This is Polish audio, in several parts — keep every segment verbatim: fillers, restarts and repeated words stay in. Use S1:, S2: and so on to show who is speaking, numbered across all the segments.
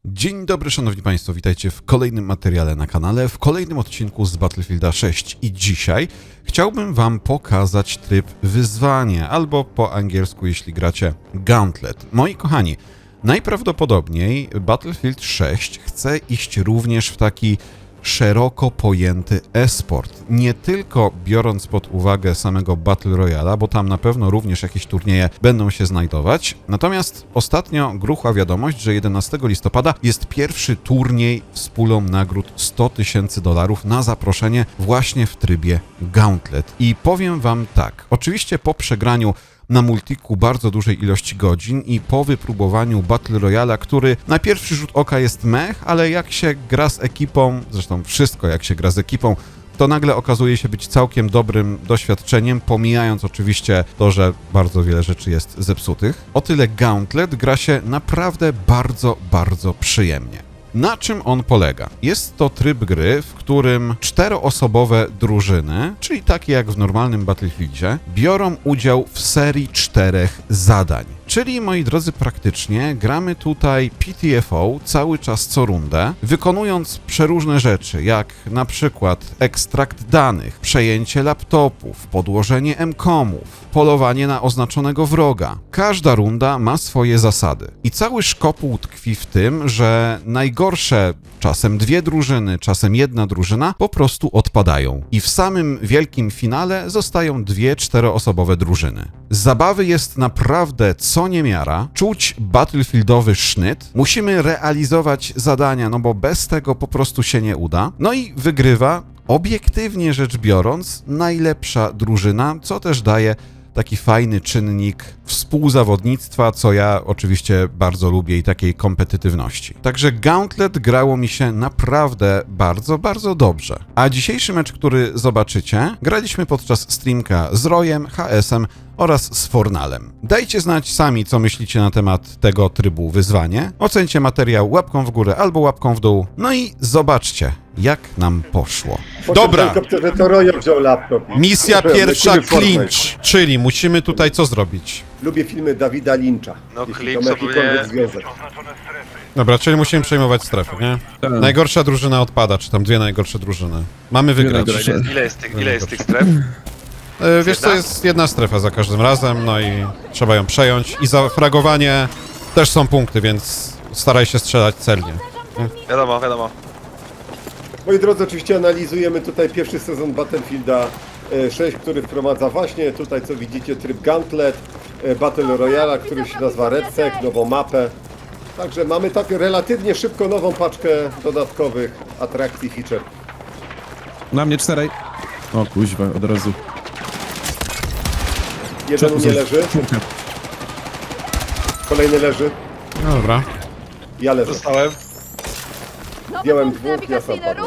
S1: Dzień dobry, szanowni państwo, witajcie w kolejnym materiale na kanale, w kolejnym odcinku z Battlefielda sześć i dzisiaj chciałbym wam pokazać tryb wyzwanie, albo po angielsku, jeśli gracie, Gauntlet. Moi kochani, najprawdopodobniej Battlefield sześć chce iść również w taki szeroko pojęty e-sport. Nie tylko biorąc pod uwagę samego Battle Royale'a, bo tam na pewno również jakieś turnieje będą się znajdować. Natomiast ostatnio gruchła wiadomość, że jedenastego listopada jest pierwszy turniej z pulą nagród sto tysięcy dolarów na zaproszenie właśnie w trybie Gauntlet. I powiem wam tak, oczywiście po przegraniu na multiku bardzo dużej ilości godzin i po wypróbowaniu Battle Royale'a, który na pierwszy rzut oka jest mech, ale jak się gra z ekipą, zresztą wszystko jak się gra z ekipą, to nagle okazuje się być całkiem dobrym doświadczeniem, pomijając oczywiście to, że bardzo wiele rzeczy jest zepsutych. O tyle Gauntlet gra się naprawdę bardzo, bardzo przyjemnie. Na czym on polega? Jest to tryb gry, w którym czteroosobowe drużyny, czyli takie jak w normalnym Battlefieldzie, biorą udział w serii czterech zadań. Czyli, moi drodzy, praktycznie gramy tutaj P T F O cały czas co rundę, wykonując przeróżne rzeczy, jak na przykład ekstrakt danych, przejęcie laptopów, podłożenie M-komów, polowanie na oznaczonego wroga. Każda runda ma swoje zasady. I cały szkopuł tkwi w tym, że najgorsze, czasem dwie drużyny, czasem jedna drużyna, po prostu odpadają. I w samym wielkim finale zostają dwie czteroosobowe drużyny. Zabawy jest naprawdę co niemiara, czuć battlefieldowy sznyt, musimy realizować zadania, no bo bez tego po prostu się nie uda. No i wygrywa, obiektywnie rzecz biorąc, najlepsza drużyna, co też daje taki fajny czynnik współzawodnictwa, co ja oczywiście bardzo lubię i takiej kompetytywności. Także Gauntlet grało mi się naprawdę bardzo, bardzo dobrze. A dzisiejszy mecz, który zobaczycie, graliśmy podczas streamka z Royem, H S-em oraz z Fornalem. Dajcie znać sami, co myślicie na temat tego trybu wyzwanie. Ocencie materiał łapką w górę albo łapką w dół. No i zobaczcie, jak nam poszło. Dobra,
S2: To Royo wziął laptop.
S1: misja pierwsza
S2: Lecimy Fortnite.
S1: clinch, czyli musimy tutaj co zrobić?
S2: Lubię filmy Dawida Lyncha.
S3: No,
S2: jeśli
S3: Clinch
S2: to ma
S3: to
S2: jakikolwiek
S3: nie-
S2: związek.
S1: Dobra, czyli musimy przejmować strefę, nie?
S4: Tak.
S1: Najgorsza drużyna odpada, czy tam dwie najgorsze drużyny. Mamy wygrać.
S4: najgorsze.
S3: Ile jest, ile jest, tych, ile jest tych stref?
S1: E, wiesz co,
S3: Jedna?
S1: jest jedna strefa za każdym razem, no i trzeba ją przejąć. I za fragowanie też są punkty, więc staraj się strzelać celnie.
S3: Wiadomo, wiadomo.
S2: Moi drodzy, oczywiście analizujemy tutaj pierwszy sezon Battlefielda e, sześć, który wprowadza właśnie tutaj, co widzicie, tryb Gauntlet, e, Battle Royale'a, który się nazywa RedSec, nową mapę. Także mamy tak relatywnie szybko nową paczkę dodatkowych atrakcji, feature.
S4: Na mnie czterej. O kuźwa, od razu.
S2: Jeden u mnie leży,
S4: Czwórka.
S2: kolejny leży,
S1: No dobra.
S2: ja leżę.
S3: Dostałem.
S2: Zdjąłem dwóch, ja sam padłem.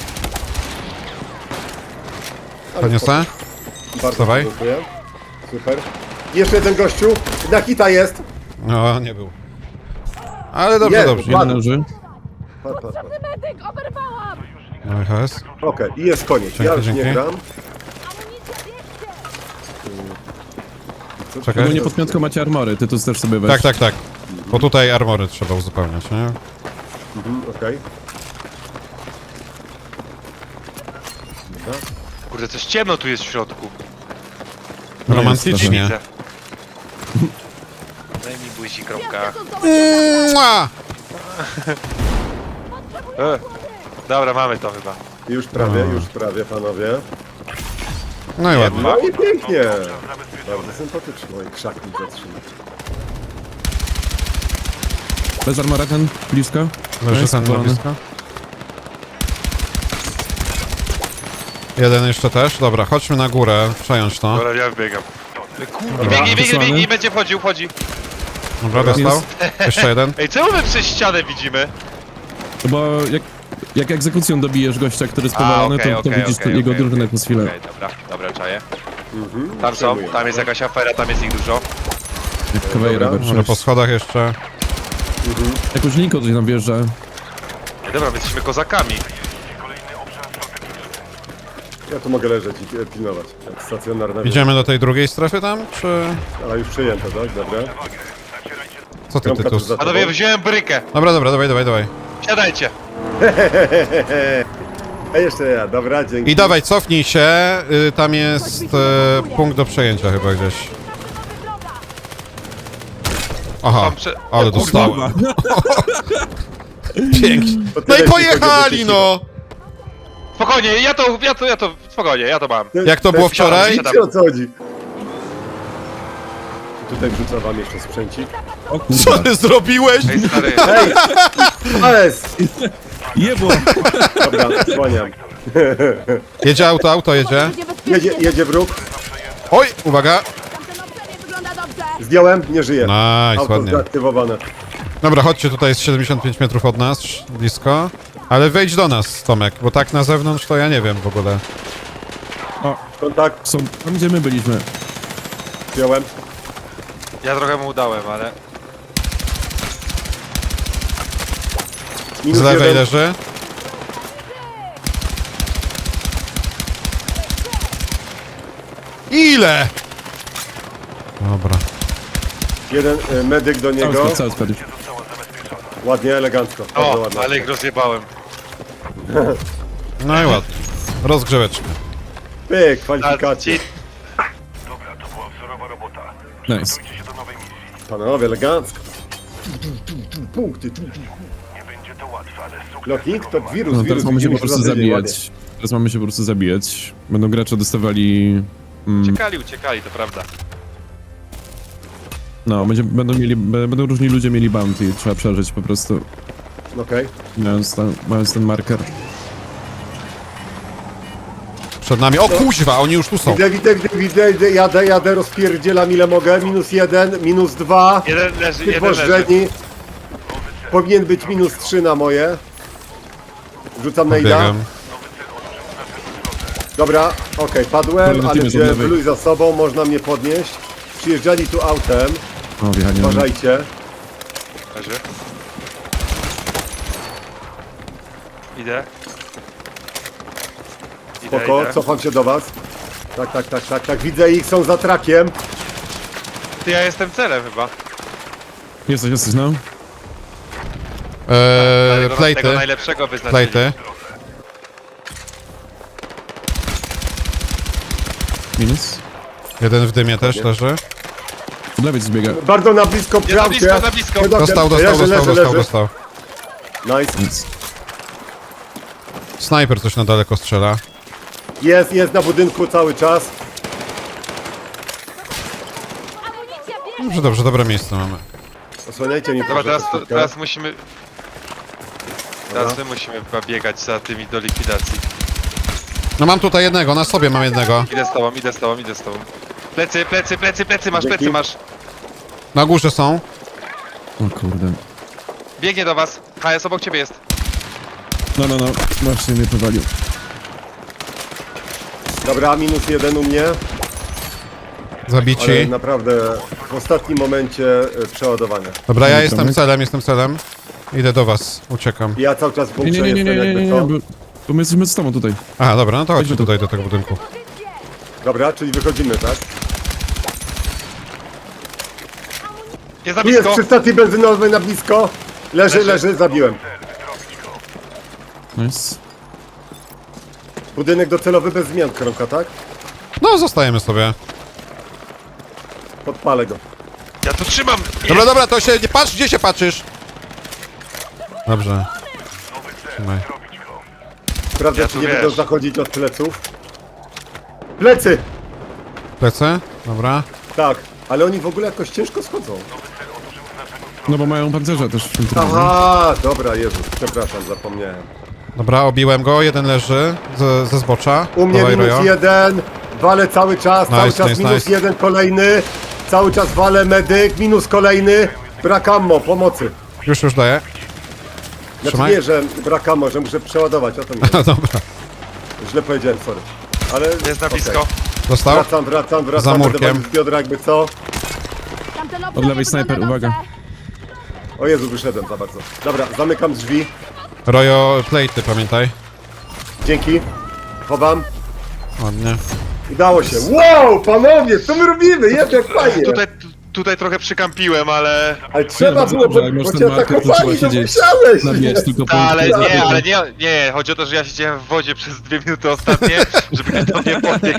S2: Ale
S1: Podniosę?
S2: Bardzo
S1: Wstawaj.
S2: dziękuję. Super. Jeszcze jeden gościu. Na hita jest.
S1: No, nie był. Ale dobrze,
S2: Nie,
S1: dobrze.
S2: ładnie.
S4: Jeden leży.
S2: Pa, pa, pa.
S5: Medyk, oberwałam!
S1: No i H S.
S2: Okej, i jest koniec.
S1: Dzięki,
S2: Ja już
S1: dzięki.
S2: nie gram.
S5: Amunicja bierzcie!
S2: Co-
S1: Czekaj.
S4: No nie pod piątką macie armory, ty tu też sobie weź.
S1: Tak, tak, tak. Bo tutaj armory trzeba uzupełniać, nie?
S2: Mhm, okej. Dobra.
S3: Kurde, coś ciemno tu jest w środku.
S4: No
S1: Romantycznie.
S3: Widzę. Daj mi buzi, kropka.
S1: Mua!
S3: E. Dobra, mamy to chyba.
S2: Już prawie,
S1: No.
S2: już prawie, panowie.
S1: No i ładnie.
S2: No i pięknie. Bardzo sympatycznie. Oj, krzak mi zatrzymał.
S4: Bez armora ten, blisko.
S1: Leży
S4: Jest
S1: ten na
S4: powalony.
S1: blisko. Jeden jeszcze też. Dobra, chodźmy na górę, przejąć to.
S3: Dobra, ja wbiegam. Kurde,
S4: Dobra,
S3: biegnij, biegnij,
S4: wysłany.
S3: biegnij, będzie wchodził, wchodzi.
S1: Dobra, dostał. Jeszcze jeden.
S3: Ej, czemu my przez ścianę widzimy?
S4: No bo jak, jak egzekucją dobijesz gościa, który jest powalony,
S3: okej,
S4: to, to
S3: okej,
S4: widzisz
S3: okej,
S4: jego
S3: okej,
S4: drużynę
S3: okej.
S4: przez chwilę.
S3: Okej, dobra, dobra, czaję.
S2: Mhm,
S3: Tam są,
S2: przejmuję.
S3: tam jest jakaś afera, tam jest ich dużo.
S4: Jak kawejra
S2: Dobra.
S1: Może po schodach jeszcze.
S4: Jakoś linko coś tam wjeżdża.
S3: Ej, dobra, my jesteśmy kozakami.
S2: Ja tu mogę leżeć i e, pilnować. Jak stacjonarna wieża.
S1: Idziemy do tej drugiej strefy tam, czy...
S2: A już przejęte, tak? Dobra.
S1: Co ty,
S2: Kromka
S1: Tytus?
S2: tuż za tobą.
S3: Panowie, wziąłem brykę.
S1: Dobra, dobra, dawaj, dawaj, dawaj.
S3: Siadajcie.
S2: A jeszcze ja, dobra, dzięki.
S1: I dawaj, cofnij się, y, tam jest y, punkt do przejęcia chyba gdzieś. Aha,
S3: Tam prze-
S1: ale
S3: o, kurwa.
S1: dostałem. Pięknie.
S2: To
S1: No
S2: tyle,
S1: i
S2: jeśli
S1: pojechali,
S2: chodzi o
S1: no!
S3: Spokojnie, ja to, ja to, ja to, spokojnie, ja to mam.
S2: Te-
S1: Jak to
S2: te-
S1: było wczoraj?
S2: Wiecie, o co chodzi? Tutaj wrzucę wam jeszcze sprzęcik.
S4: O
S1: Co
S4: kurwa.
S1: ty zrobiłeś?
S3: Ej, stary,
S2: Ej! Ales!
S4: Jebo!
S2: Dobra, słaniam.
S1: Jedzie auto, auto jedzie.
S5: Będzie bezpiecznie.
S2: Jedzie, jedzie wróg.
S1: Oj, uwaga.
S5: Tamten obszar nie wygląda dobrze.
S2: Zdjąłem, nie żyje.
S1: Nice,
S2: Auto
S1: ładnie.
S2: zdeaktywowane.
S1: Dobra, chodźcie, tutaj jest siedemdziesiąt pięć metrów od nas, blisko. Ale wejdź do nas, Tomek, bo tak na zewnątrz to ja nie wiem w ogóle.
S2: Kontakt,
S4: Są tam, gdzie my byliśmy.
S2: zdjąłem.
S3: ja trochę mu udałem, ale...
S2: Minus
S1: Z lewej
S2: jeden.
S1: leży. Ile? Dobra.
S2: Jeden y, medyk do
S4: Cały
S2: niego.
S4: skład, cały skład już.
S2: Ładnie, elegancko. Bardzo
S3: O,
S2: ładnie.
S3: ale ich rozjebałem.
S1: No i ładnie. Rozgrzeweczka.
S2: Pyk,
S3: A
S2: kwalifikacje.
S3: ci...
S4: Nice.
S2: Panowie, elegancko. Punkty. Lotnik to wirus,
S4: No
S2: wirus.
S4: teraz mamy się po
S2: widzimy
S4: prostu
S2: za tydzień, ładnie.
S4: zabijać. Teraz mamy się po prostu zabijać. Będą gracze dostawali... Mm,
S3: Uciekali, uciekali, to prawda.
S4: no, będzie, będą mieli, b- będą różni ludzie mieli bounty. Trzeba przeżyć po prostu,
S2: Okej.
S4: mając, ten, mając ten marker.
S1: Przed nami. O kuźwa, oni już tu są.
S2: Widzę, widzę, widzę, widzę, widzę, jadę, jadę, rozpierdzielam ile mogę. Minus jeden, minus dwa.
S3: Jeden leży, jeden leży.
S2: Typożrzeni. Powinien być minus trzy na moje. Rzucam na ida.
S1: Biegam.
S2: Dobra, okej, padłem,
S4: Kolejny
S2: ale
S4: team jest od
S2: wziąłem
S4: lewej.
S2: bluj za sobą, można mnie podnieść. Przyjeżdżali tu autem,
S4: O, wjechanie.
S2: uważajcie.
S3: Leży. Idę. Idę,
S2: Spoko,
S3: idę.
S2: cofam się do was. Tak, tak, tak, tak, tak, widzę ich, są za trakiem.
S3: Ty, ja jestem celem chyba.
S4: Jesteś, jesteś, no.
S1: Eee,
S3: Tego, tego
S1: plejty.
S3: najlepszego wyznaczyli.
S1: Plejty.
S4: Minus.
S1: Jeden w dymie też leży.
S4: Od lewej zbiega.
S2: Bardzo na blisko,
S3: Jest na
S2: prawdzie.
S3: blisko, na blisko.
S2: Pedofil.
S1: Dostał, dostał,
S2: Leży,
S1: dostał,
S2: leży,
S1: dostał,
S2: leży.
S1: dostał.
S2: Nice.
S4: Nic.
S1: Snajper coś na daleko strzela.
S2: Jest, jest na budynku cały czas.
S5: Amunicja, bierz!
S1: Dobrze, dobrze, dobre miejsce mamy.
S2: Osłaniajcie mnie
S3: Dobra,
S2: proszę
S3: teraz, to,
S2: troszeczkę.
S3: teraz musimy... Teraz my musimy chyba biegać za tymi do likwidacji.
S1: No mam tutaj jednego, na sobie mam jednego.
S3: Idę z tobą, idę z tobą, idę z tobą. Plecy, plecy, plecy, plecy, masz,
S2: Dzięki.
S3: plecy masz.
S1: Na górze są.
S4: O kurde.
S3: Biegnie do was. H S obok ciebie jest.
S4: No, no, no. Właśnie mnie powalił.
S2: Dobra, minus jeden u mnie. Ale
S1: Zabici.
S2: naprawdę w ostatnim momencie e, przeładowania.
S1: Dobra, ja
S4: Dobra,
S1: jestem
S4: Tomek.
S1: celem, jestem celem. Idę do was, uciekam.
S2: Ja cały czas w
S4: Nie,
S2: bunkrze
S4: nie, nie, nie,
S2: jestem
S4: nie, nie,
S2: jakby
S4: nie,
S2: co.
S4: bo, bo my jesteśmy z tobą tutaj.
S1: Aha, dobra, no to chodźmy
S4: Chodźmy tu.
S1: tutaj do tego budynku.
S2: Dobra, czyli wychodzimy, tak?
S3: Jest na
S2: Tu jest
S3: blisko.
S2: przy stacji benzynowej na blisko. Leży,
S3: Leży.
S2: leży, zabiłem.
S4: Nice.
S2: Budynek docelowy bez zmian, Kromka, tak?
S1: No, zostajemy sobie.
S2: Podpalę go.
S3: Ja tu trzymam.
S1: Dobra, dobra, to się nie patrz, gdzie się patrzysz? Dobrze. Trzymaj.
S2: Sprawdzę,
S3: Ja
S2: czy
S3: tu
S2: nie
S3: wiesz.
S2: będą zachodzić od pleców. Plecy!
S1: Plecy? Dobra.
S2: Tak, ale oni w ogóle jakoś ciężko schodzą.
S4: No bo mają pancerze też w tym trybie.
S2: Aha, dobra, Jezus, przepraszam, zapomniałem.
S1: Dobra, obiłem go, jeden leży ze, ze zbocza.
S2: U mnie
S1: Dawaj,
S2: minus
S1: Rojo.
S2: jeden, walę cały czas,
S1: Nice,
S2: cały czas
S1: nice,
S2: minus
S1: nice.
S2: jeden kolejny, cały czas walę medyk, minus kolejny, brak ammo, pomocy.
S1: Już, już daję.
S2: Znaczy
S1: Trzymaj.
S2: nie, że brak ammo, że muszę przeładować, o to mi chodzi.
S1: Dobra.
S2: Źle powiedziałem, sorry. Ale
S3: Jest na
S2: okej.
S3: blisko.
S1: Dostał?
S2: Wracam, wracam, wracam,
S1: Za
S2: będę
S1: murkiem.
S2: walczył z biodra jakby co.
S5: Tamten obszar
S4: Od lewej
S5: nie
S4: snajper,
S5: wygląda
S4: uwaga.
S5: dobrze.
S2: O Jezu, wyszedłem za bardzo. Dobra, zamykam drzwi.
S1: Rojo, plejty, pamiętaj.
S2: Dzięki. Chowam.
S1: Ładnie.
S2: Udało się. Wow, panowie, co my robimy? Jest jak fajnie.
S3: Tutaj, tu, tutaj trochę przykampiłem, ale...
S2: Ale trzeba
S4: dobrze,
S2: było,
S4: dobrze,
S2: bo,
S4: jak masz
S2: bo
S4: ten
S2: cię
S4: marker, to
S2: atakowali,
S4: trzeba
S2: to
S4: siedzieć
S2: musiałeś!
S4: Na wieś, tylko
S3: Ta, ale
S4: po-
S3: nie, ale nie, nie, chodzi o to, że ja siedziałem w wodzie przez dwie minuty ostatnie, żeby ktoś do mnie podbiegł.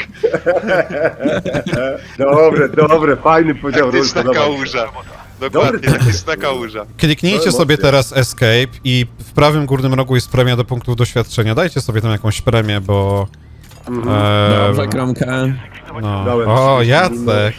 S2: Dobre, dobre, fajny podział ról,
S3: Taktyczna
S2: podoba mi się.
S3: kałuża. Dokładnie,
S2: Dobry.
S3: taktyczna kałuża.
S1: Kliknijcie
S2: To
S1: sobie
S2: emocje.
S1: teraz Escape i w prawym górnym rogu jest premia do punktów doświadczenia. Dajcie sobie tam jakąś premię, bo... E,
S4: Dobrze, kromka.
S1: no.
S2: Dałem
S1: O,
S2: trzydzieści minut.
S1: Jacek!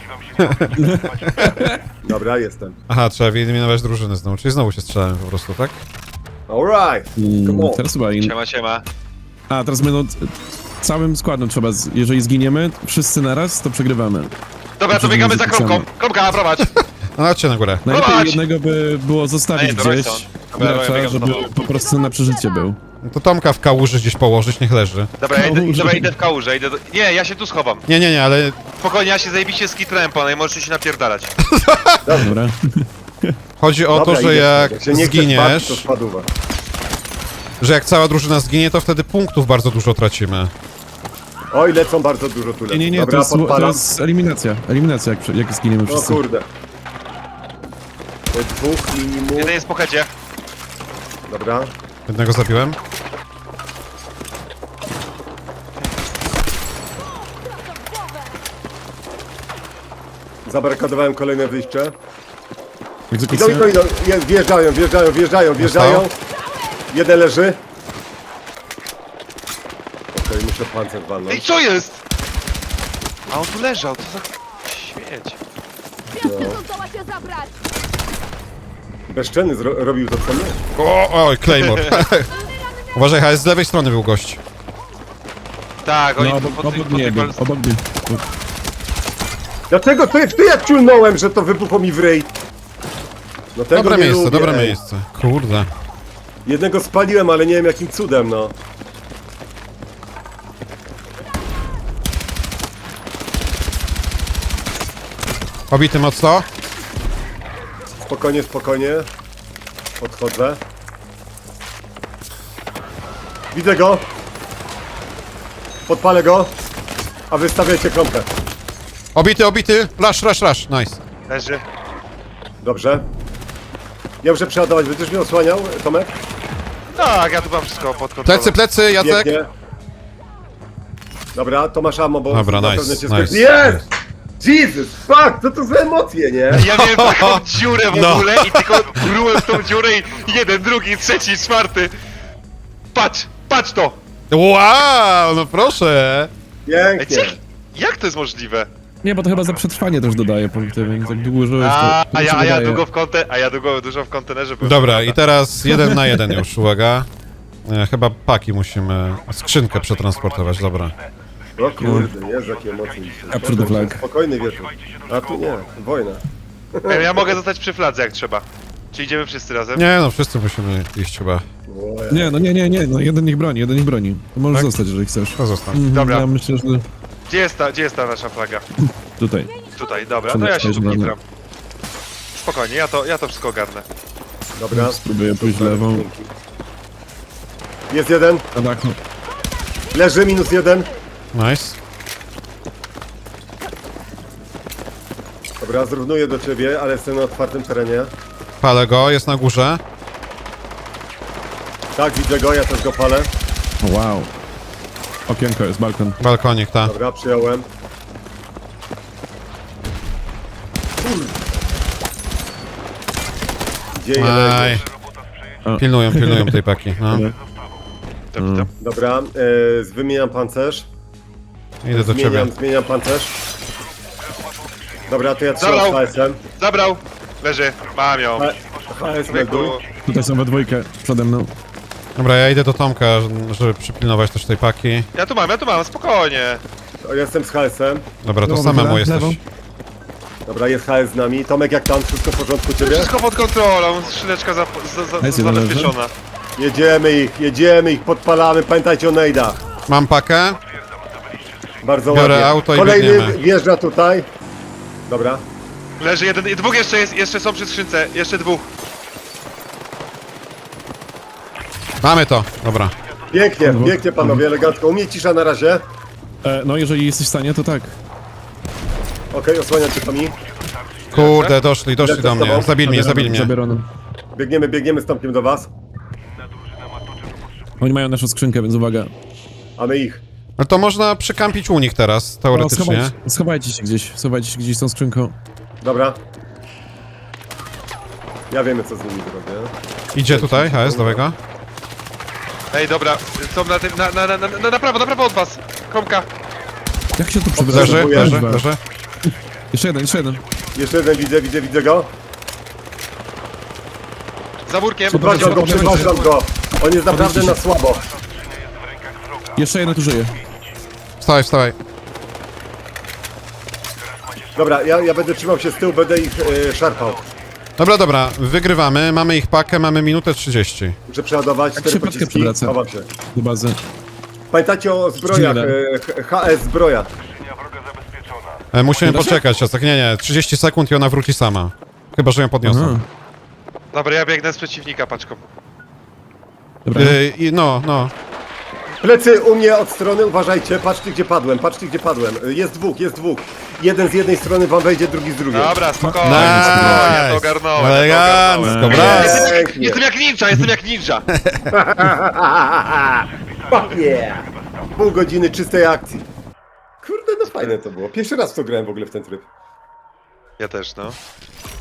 S2: Dobra, jestem.
S1: Aha, trzeba wyeliminować drużyny znowu, czyli znowu się strzelałem po prostu, tak?
S2: Alright, come
S4: Mm,
S2: on.
S4: teraz chyba in...
S3: Siema, siema.
S4: A, teraz będą... Całym składem trzeba, z... jeżeli zginiemy, wszyscy naraz, to przegrywamy.
S3: Dobra, to
S4: Dobrze,
S3: biegamy za
S4: zapisane.
S3: kromką. Kromka, prowadź.
S1: No chodźcie na górę.
S4: Najlepiej
S3: Prowadź!
S4: jednego by było zostawić
S3: Ej, to
S4: gdzieś,
S3: Royston. Dobra, ja
S4: gracza,
S3: biegam
S4: żeby
S3: za tobą.
S4: po prostu na przeżycie był.
S1: No to Tomka w kałuży gdzieś położyć, niech leży.
S3: Dobra, ja idę,
S4: Kałużę.
S3: dobra, idę w kałużę, idę do... Nie, ja się tu schowam.
S1: Nie, nie, nie, ale
S3: Spokojnie, ja się zajebiście skitrałem po niej, możecie się napierdalać.
S4: Dobra.
S1: chodzi o
S2: Dobra,
S1: to, że
S2: idę.
S1: jak
S2: się nie chce
S1: zginiesz,
S2: spać, to spadła.
S1: że jak cała drużyna zginie, to wtedy punktów bardzo dużo tracimy.
S2: Oj, lecą bardzo dużo tu lecą.
S4: Nie, nie, nie, to
S2: Dobra,
S4: jest, to
S2: podpalam.
S4: jest eliminacja. Eliminacja, jak, jak zginiemy
S2: O
S4: wszyscy.
S2: kurde. To jest dwóch minimum.
S3: Jeden jest po headzie.
S2: Dobra.
S1: Jednego zabiłem.
S2: Zabarykadowałem kolejne wyjście. Idą,
S4: Egzekucja.
S2: idą, idą. Jest, wjeżdżają, wjeżdżają, wjeżdżają, wjeżdżają. Jeden leży. Okej, muszę pancerz
S3: Ej,
S2: walnąć.
S3: co jest? A on tu leżał, to za... Śmieć.
S5: Świetnie, to zdoła się zabrać!
S2: Bezczelny zro- robił to co my.
S1: O, oj, Claymore. Uważaj, H S z lewej strony był gość.
S3: Tak, oni
S4: No,
S3: tu
S4: obok,
S3: po, tej-
S4: obok
S3: po,
S4: mnie
S3: tej
S4: był,
S3: pal-
S4: obok mnie.
S2: Dlaczego? To jest ty jak ciulnąłem, że to wybuchło mi w ryj. No tego
S1: Dobre
S2: nie
S1: miejsce,
S2: lubię,
S1: dobre
S2: ej.
S1: miejsce. Kurde.
S2: Jednego spaliłem, ale nie wiem jakim cudem, no.
S1: Obity mocno.
S2: Spokojnie, spokojnie. Podchodzę. Widzę go. Podpalę go. A wy stawiajcie kromkę.
S1: Obity, obity. Rush, rush, rush. Nice.
S3: leży.
S2: Dobrze. Ja muszę przeładować. Będziesz mnie osłaniał, Tomek?
S3: Tak, ja tu mam wszystko pod kontrolą.
S1: Plecy, plecy, Jacek.
S2: Pięknie. Dobra, to masz ammo, bo
S1: Dobra,
S2: na
S1: nice,
S2: pewno cię
S1: nice,
S2: skończy- Jest! Jesus, fuck, co to za emocje, nie?
S3: Ja miałem taką dziurę w
S1: No.
S3: ogóle i tylko grułem w tą dziurę i jeden, drugi, trzeci, czwarty. Patrz, patrz to!
S1: Wow, no proszę.
S3: Ej,
S2: Pięknie.
S3: co? Jak to jest możliwe?
S4: Nie, bo to chyba za przetrwanie też dodaje punkty, więc jak długo żyłeś, to...
S3: A,
S4: to
S3: a,
S4: ci
S3: ja, a ja
S4: dodaje.
S3: długo w konte, a ja długo, dużo w kontenerze byłem.
S1: Dobra, i teraz jeden na jeden już, uwaga. E, chyba paki musimy, skrzynkę przetransportować, dobra.
S2: O kurde, jest jakie emocje.
S4: Capture the flag.
S2: Spokojny wieczór. A tu nie, wojna.
S3: Ej, ja mogę zostać przy fladze jak trzeba. Czy idziemy wszyscy razem?
S1: Nie no, wszyscy musimy iść chyba.
S2: O,
S4: Nie, no nie, nie, nie, no jeden niech broni, jeden niech broni. To możesz
S1: Tak?
S4: zostać, jeżeli chcesz.
S1: To zostań.
S4: Mhm,
S3: Dobra.
S4: Ja myślę, że
S3: Gdzie jest ta, gdzie jest ta nasza flaga?
S4: tutaj.
S3: Tutaj, dobra, to ja się tu
S4: Przepraszam.
S3: kitram. Spokojnie, ja to, ja to wszystko ogarnę.
S2: Dobra.
S4: Spróbuję pójść lewą.
S2: Jest jeden.
S4: Na dachu.
S2: Leży, minus jeden.
S1: Nice.
S2: Dobra, zrównuję do ciebie, ale jestem na otwartym terenie.
S1: Palę go, jest na górze.
S2: Tak, widzę go, ja też go palę.
S4: O, wow. Okienko jest, balkon.
S1: Balkonik, ta.
S2: Dobra, przyjąłem. Gdzie je
S1: Aj.
S2: leży?
S1: Pilnują, pilnują tej paki, no.
S3: Dobra, dobra.
S2: Dobra, e, wymieniam pancerz.
S1: Idę do ciebie.
S2: Zmieniam, zmieniam pancerz. Dobra, to ja trzymam
S3: Zabrał.
S2: H S-em.
S3: Zabrał! Leży, mam ją.
S2: H S
S3: Zwykły.
S2: melduj.
S4: Tutaj są we dwójkę przede mną.
S1: Dobra, ja idę do Tomka, żeby przypilnować też tej paki.
S3: Ja tu mam, ja tu mam, spokojnie.
S2: O, jestem z H S-em.
S1: Dobra, to
S4: Lewą,
S1: samemu
S4: lewą,
S1: jesteś.
S4: lewą.
S2: Dobra, jest H S z nami. Tomek, jak tam? Wszystko w porządku u ciebie?
S3: Wszystko pod kontrolą, skrzyneczka za, za, za,
S4: Jest jeden
S3: zabezpieczona.
S2: Jedziemy ich, jedziemy ich, podpalamy. Pamiętajcie o nejdach.
S1: Mam pakę.
S2: Bardzo
S1: Biorę
S2: ładnie.
S1: auto i
S2: Kolejny
S1: biegniemy.
S2: wjeżdża tutaj. Dobra.
S3: Leży jeden, i dwóch jeszcze jest, jeszcze są przy skrzynce, jeszcze dwóch.
S1: Mamy to, dobra.
S2: Pięknie,
S4: Dwóch.
S2: pięknie panowie, elegancko. U mnie cisza na razie.
S4: E, no jeżeli jesteś w stanie, to tak.
S2: Okej, osłaniam cię Tomi.
S1: Kurde, doszli, doszli
S2: Lecę
S1: do
S2: z tobą.
S1: mnie. Zabili mnie,
S4: Zabieram,
S1: zabili mnie.
S4: Zabieram.
S2: Biegniemy, biegniemy z Tomkiem do was,
S4: Oni mają naszą skrzynkę, więc uwaga.
S2: a my ich.
S1: No to można przykampić u nich teraz,
S4: O,
S1: teoretycznie.
S4: schowajcie, schowajcie się gdzieś, schowajcie się gdzieś z tą skrzynką.
S2: Dobra. Ja wiemy, co z nimi zrobię.
S1: Idzie tutaj, H S, dawaj go.
S3: Ej, dobra, są na tym, na, na, na, na, na, na prawo, na prawo od was. Kromka.
S4: Jak się tu
S1: Leży,
S4: przybywa?
S1: leży, leży.
S4: Jeszcze jeden, jeszcze jeden.
S2: Jeszcze jeden widzę, widzę, widzę go.
S3: Za murkiem.
S2: Podważam go,
S4: Podnoście,
S2: podważam go. On jest naprawdę na słabo.
S4: Jeszcze jeden tu żyje.
S1: Wstawaj, wstawaj.
S2: Dobra, ja, ja będę trzymał się z tyłu, będę ich e, szarpał.
S1: Dobra, dobra, wygrywamy, mamy ich pakę, mamy minutę trzydzieści.
S2: Muszę przeładować cztery
S4: się paczkę
S2: pociski.
S4: przewraca.
S2: Chowam się.
S4: Do bazy.
S2: Pamiętajcie o zbrojach,
S4: Zginę.
S2: e, H S zbroja.
S1: E, musimy
S4: Nie da się?
S1: poczekać, tak nie, nie, trzydzieści sekund i ona wróci sama. Chyba, że ją podniosą.
S4: Aha.
S3: Dobra, ja biegnę z przeciwnika paczką.
S4: Dobra.
S1: Y, i no, no.
S2: Plecy u mnie od strony, uważajcie, patrzcie gdzie padłem, patrzcie gdzie padłem. Jest dwóch, jest dwóch. Jeden z jednej strony wam wejdzie, drugi z drugiej.
S3: Dobra, spokojnie,
S1: Nice.
S3: spokojnie, ja to ogarnąłem, ja to
S1: Elegancko,
S3: ogarnąłem.
S1: brawo.
S3: Jestem, jak-
S2: Pięknie.
S3: jestem jak ninja, jestem jak ninja.
S2: Fuck yeah! Pół godziny czystej akcji. Kurde, no fajne to było. Pierwszy raz w to grałem w ogóle w ten tryb.
S3: Ja też, no.